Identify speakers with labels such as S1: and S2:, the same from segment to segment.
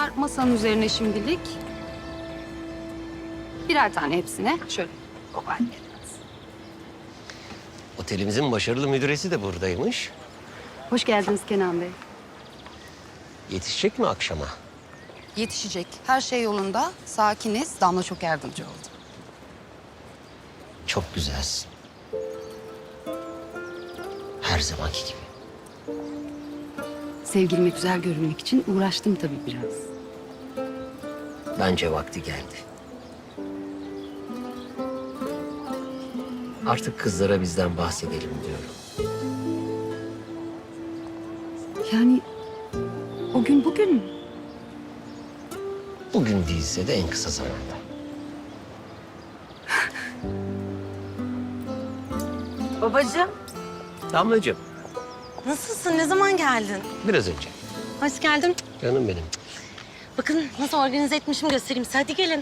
S1: Bunlar masanın üzerine şimdilik. Birer tane hepsine. Şöyle kopartın.
S2: Otelimizin başarılı müdüresi de buradaymış.
S1: Hoş geldiniz Kenan Bey.
S2: Yetişecek mi akşama?
S1: Yetişecek. Her şey yolunda. Sakiniz. Damla çok yardımcı oldu.
S2: Çok güzelsin. Her zamanki gibi.
S1: Sevgilime güzel görünmek için uğraştım tabii biraz.
S2: Bence vakti geldi. Artık kızlara bizden bahsedelim diyorum.
S1: Yani o gün bugün mü?
S2: Bugün değilse de en kısa zamanda.
S3: Babacığım,
S2: Damlacığım,
S3: nasılsın? Ne zaman geldin?
S2: biraz önce.
S3: Hoş geldin.
S2: Canım benim.
S3: Bakın nasıl organize etmişim göstereyim size. Hadi gelin.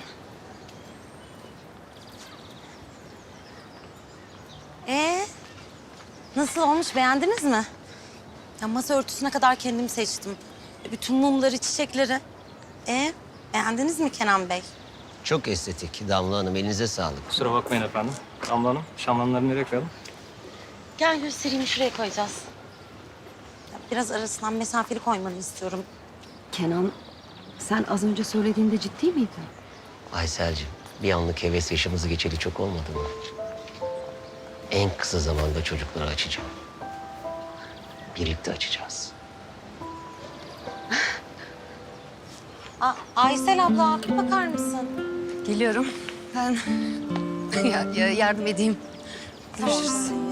S3: Nasıl olmuş? Beğendiniz mi? Ya masa örtüsüne kadar kendim seçtim. Bütün mumları, çiçekleri. Beğendiniz mi Kenan Bey?
S2: Çok estetik. Damla Hanım, elinize sağlık.
S4: Kusura bakmayın efendim. Damla Hanım, şamdanları nereye koyalım?
S3: Gel göstereyim. Şuraya koyacağız. Ya biraz arasından mesafeli koymanı istiyorum.
S1: Kenan, sen az önce söylediğinde ciddi miydin?
S2: Aysel'cim, bir anlık heves yaşımızı geçeli çok olmadı mı? En kısa zamanda çocukları açacağım. Birlikte açacağız.
S3: Aysel abla, bir bakar mısın?
S1: Geliyorum. Ben yardım edeyim. Görüşürüz.